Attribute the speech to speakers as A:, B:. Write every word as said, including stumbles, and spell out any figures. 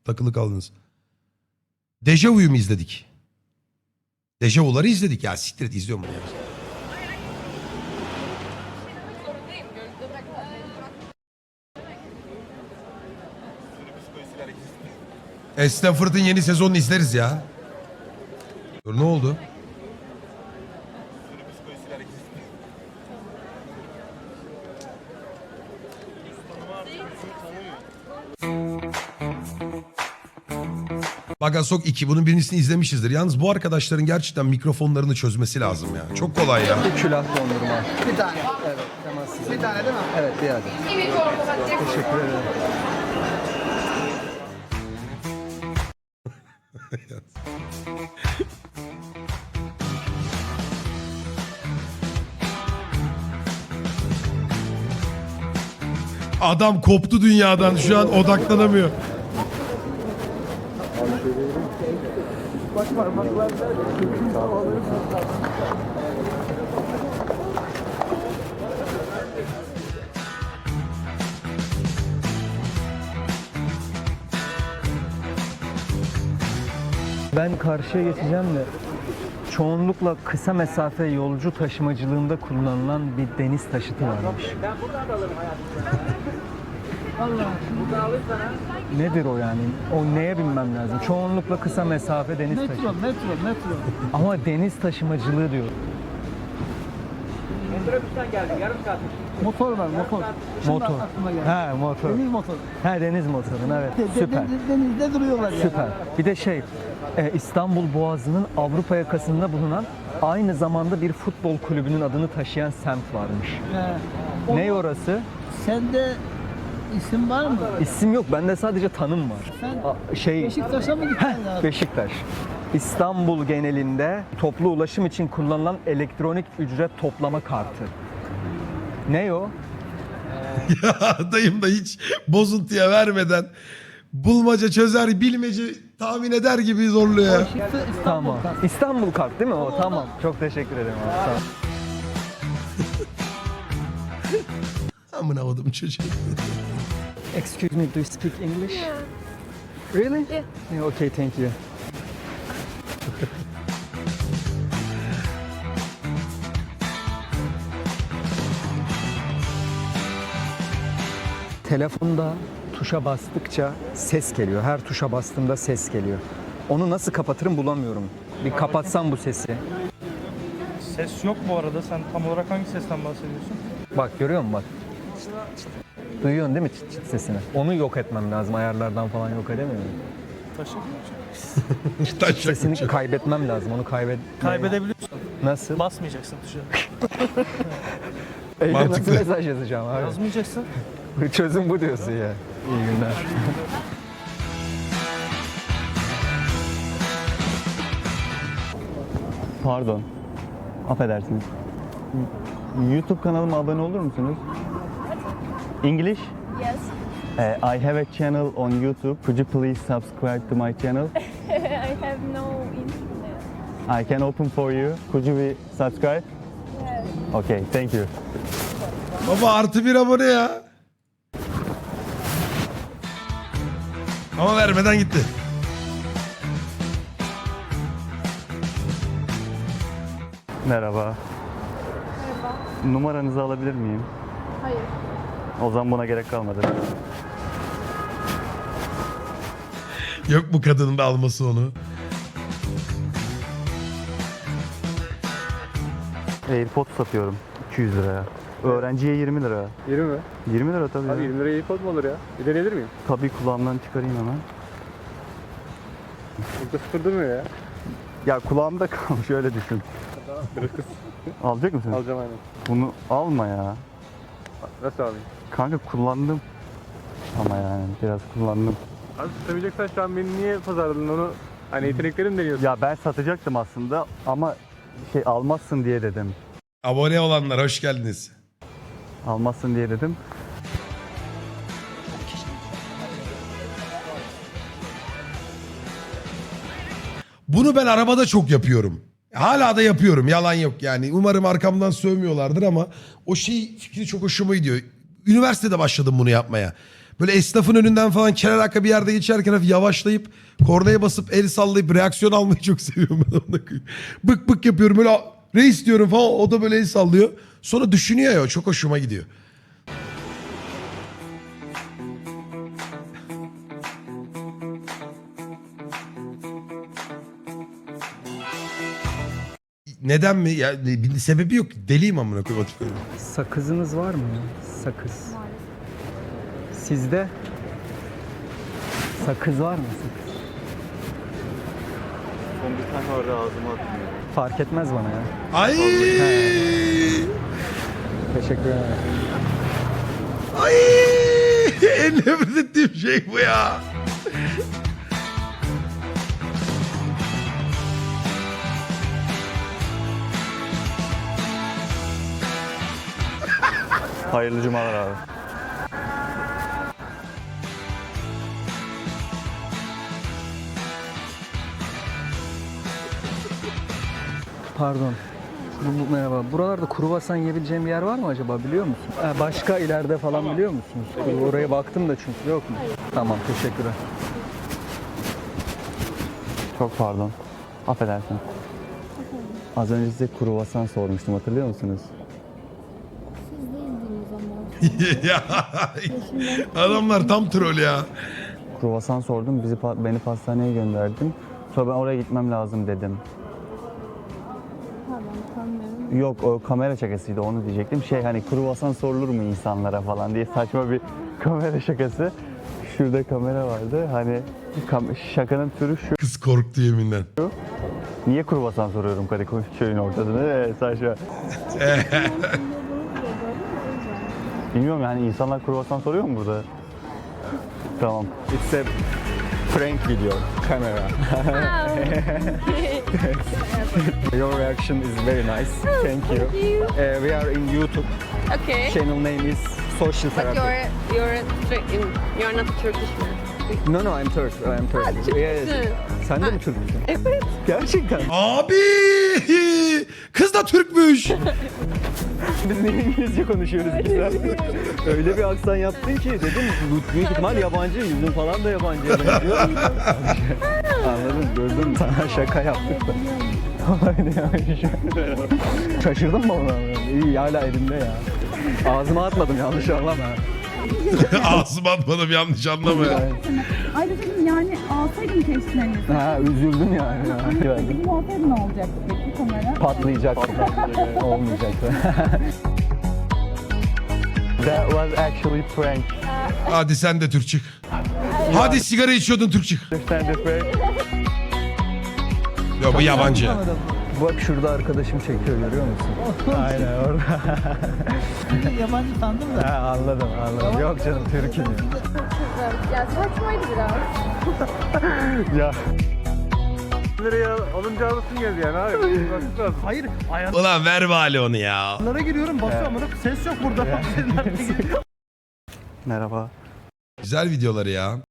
A: takılı kaldınız. Dejavu'yu mu izledik? Dejavu'ları izledik ya. Siktir et, izliyorum bunu ya. Stanford'ın yeni sezonunu izleriz ya. Dur, ne oldu? Bagasok iki. Bunun birincisini izlemişizdir. Yalnız bu arkadaşların gerçekten mikrofonlarını çözmesi lazım ya. Çok kolay ya.
B: Bir külah dondurma.
C: Bir tane.
B: Evet, temassız.
C: Bir tane değil mi?
B: Evet, bir adet. Teşekkür ederim.
A: Adam koptu dünyadan. Şu an odaklanamıyor.
B: Ben karşıya geçeceğim de çoğunlukla kısa mesafe yolcu taşımacılığında kullanılan bir deniz taşıtı varmış. Nedir o yani? O neye binmem lazım? Çoğunlukla kısa mesafe deniz
C: Metro,
B: taşıtı.
C: metro, metro.
B: Ama deniz taşımacılığı diyor.
C: Motor var, motor. Şimdi
B: Motor.
C: aklıma geldi.
B: He, motor.
C: Deniz motoru.
B: He, deniz motorun, evet.
C: De- de-
B: Süper.
C: de- denizde duruyorlar ya.
B: Süper. Bir de şey, e, İstanbul Boğazı'nın Avrupa yakasında bulunan aynı zamanda bir futbol kulübünün adını taşıyan semt varmış.
C: He.
B: Ne
C: O-
B: orası?
C: Sende isim var mı?
B: İsim yok, bende sadece tanım var.
C: Sen
B: A- şey,
C: Beşiktaş'a mı gittin
B: Heh,
C: lazım?
B: Beşiktaş. İstanbul genelinde toplu ulaşım için kullanılan elektronik ücret toplama kartı. Ne o?
A: Ya dayım da hiç bozuntuya vermeden bulmaca çözer, bilmece tahmin eder gibi zorluyor ya.
C: Beşiktaş, İstanbul.
B: Tamam. İstanbul kart değil mi o? Tamam. Çok teşekkür ederim abi. Sağ ol.
A: Amına koydum çocuğu.
B: Excuse me, do you speak English?
D: Yeah.
B: Really?
D: Yeah.
B: Yeah, okay, thank you. Telefonda tuşa bastıkça ses geliyor. Her tuşa bastığımda ses geliyor. Onu nasıl kapatırım bulamıyorum. Bir kapatsam bu sesi.
E: Ses yok bu arada. Sen tam olarak hangi sesten bahsediyorsun?
B: Bak görüyor musun bak. Duyuyorsun değil mi çıt çıt sesini? Onu yok etmem lazım. Ayarlardan falan yok edemiyorum.
E: Taşı.
A: Taşak
B: Sesini
A: uçak.
B: kaybetmem lazım. Onu kaybet...
E: Kaybedebiliyorsun.
B: Nasıl?
E: Basmayacaksın tuşa.
B: Evde nasıl
A: Mantıklı.
B: mesaj yazacağım abi?
E: Yazmayacaksın.
B: Çözüm bu diyorsun ya. İyi günler.
F: Pardon. Affedersiniz. YouTube kanalıma abone olur musunuz? English?
D: Yes.
F: Uh, I have a channel on YouTube. Could you please subscribe to my channel?
D: I have no internet.
F: I can open for you. Could you be subscribe?
D: Yes.
F: Okay, thank you.
A: Baba artı bir abone ya. Ama vermeden gitti.
F: Merhaba.
D: Merhaba.
F: Numaranızı alabilir miyim?
D: Hayır.
F: O zaman buna gerek kalmadı.
A: Yok bu kadının da alması onu.
F: AirPods satıyorum iki yüz liraya. Öğrenciye yirmi lira.
G: yirmi mi?
F: yirmi lira tabii.
G: Abi
F: ya.
G: yirmi liraya AirPod mu olur ya? Bir deneyebilir miyim?
F: Tabii kulağımdan çıkarayım hemen.
G: Burada sıfır durmuyor ya.
F: Ya kulağımda kalmış öyle düşün. Alacak mısın?
G: Alacağım aynen.
F: Bunu alma ya.
G: Nasıl alayım?
F: Kanka kullandım. Ama yani biraz kullandım.
G: Abi tutabileceksen şu an beni niye pazarladın onu? Hani yeteneklerim deniyorsun.
F: Ya ben satacaktım aslında ama şey almazsın diye dedim.
A: Abone olanlar hoş geldiniz.
F: Almazsın diye dedim.
A: Bunu ben arabada çok yapıyorum. Hala da yapıyorum, yalan yok yani. Umarım arkamdan sövmüyorlardır ama o şey fikri çok hoşuma gidiyor. Üniversitede başladım bunu yapmaya. Böyle esnafın önünden falan kenar arka bir yerde geçerken hafif yavaşlayıp kornaya basıp el sallayıp reaksiyon almayı çok seviyorum ben. Onunla koyayım. Bık bık yapıyorum böyle reis diyorum falan, o da böyle el sallıyor. Sonra düşünüyor ya, çok hoşuma gidiyor. Neden mi? Ya bir sebebi yok. Deliyim amına koyayım.
B: Sakızınız var mı ya? Sakız. Sizde sakız var mı? Sakız.
F: Son bir tane orada ağzıma atmıyor.
B: Fark etmez bana ya.
A: Ay!
B: Teşekkür ederim.
A: Ay! En nefret ettiğim şey bu ya.
F: Hayırlı cumalar abi.
B: Pardon. Bu, bu- merhaba. Buralarda kruvasan yiyebileceğim bir yer var mı acaba, biliyor musun? Ee, başka ileride falan biliyor musunuz? Oraya baktım da çünkü, yok mu? Tamam, teşekkürler.
F: Çok pardon. Affedersin. Az önce size kruvasan sormuştum, hatırlıyor musunuz?
A: Ya adamlar tam troll ya.
F: Kruvasan sordum, bizi pa- beni pastaneye gönderdin. Sonra ben oraya gitmem lazım dedim.
D: Pardon tanımıyorum.
F: Yok, o kamera şakasıydı, onu diyecektim. Şey, hani kruvasan sorulur mu insanlara falan diye saçma bir kamera şakası. Şurada kamera vardı. Hani kam- şakanın türü şu.
A: Kız korktu yeminden.
F: Niye kruvasan soruyorum Kadıköy köyün ortasında? Evet, saçma. Bilmiyorum yani, insanlar kruvasan soruyor mu burada? Tamam. It's a prank video. Camera.
B: Your reaction is very nice. Thank you. Uh, we are in YouTube.
H: Okay.
B: Channel name is Social
H: But
B: Therapy.
H: you're you're Tur- you're not Turkish man.
B: No no, I'm Turk. I'm Turk.
H: Türk'sün.
B: Yes. Sen de mi Türk'sün?
H: Evet.
B: Gerçekten.
A: Abi! Kız da Türkmüş.
B: Biz niye İngilizce konuşuyoruz biz ya? Öyle bir aksan yaptın ki dedim, bu büyük ihtimal yabancı, yüzün falan da yabancıya benziyor. Anladın, gördün mü? Sana şaka yaptık da. Aynen yani. Şaşırdın mı ona? İyi, hala elimde ya. Ağzıma atmadım, yanlış anlama.
A: Ağzıma atmadım, yanlış anlama ya.
I: Ay dedim yani alsaydım keşke.
B: Ha, üzüldüm yani. ya.
I: Peki bu olsaydı ne olacaktı peki kamera?
B: Patlayacaktı. Olmayacaktı.
F: That was actually prank.
A: Hadi sen de Türk çık. Hadi sigara içiyordun, Türk çık.
F: Understand the prank?
A: Yok bu yabancı.
B: Bak şurada arkadaşım çekiyor, görüyor musun? Aynen orada.
C: Yabancı sandım da.
B: Ha, anladım anladım. Yok canım, Türk'üm ya.
D: Ya saçmaydı biraz.
F: Ya.
G: Liraya alınca alırsın geldi yani abi. Bakmak lazım.
C: Hayır
A: Ulan ver bari onu ya.
C: ayarlara giriyorum basıyorum ama ses yok burada.
F: Merhaba.
A: Güzel videoları ya.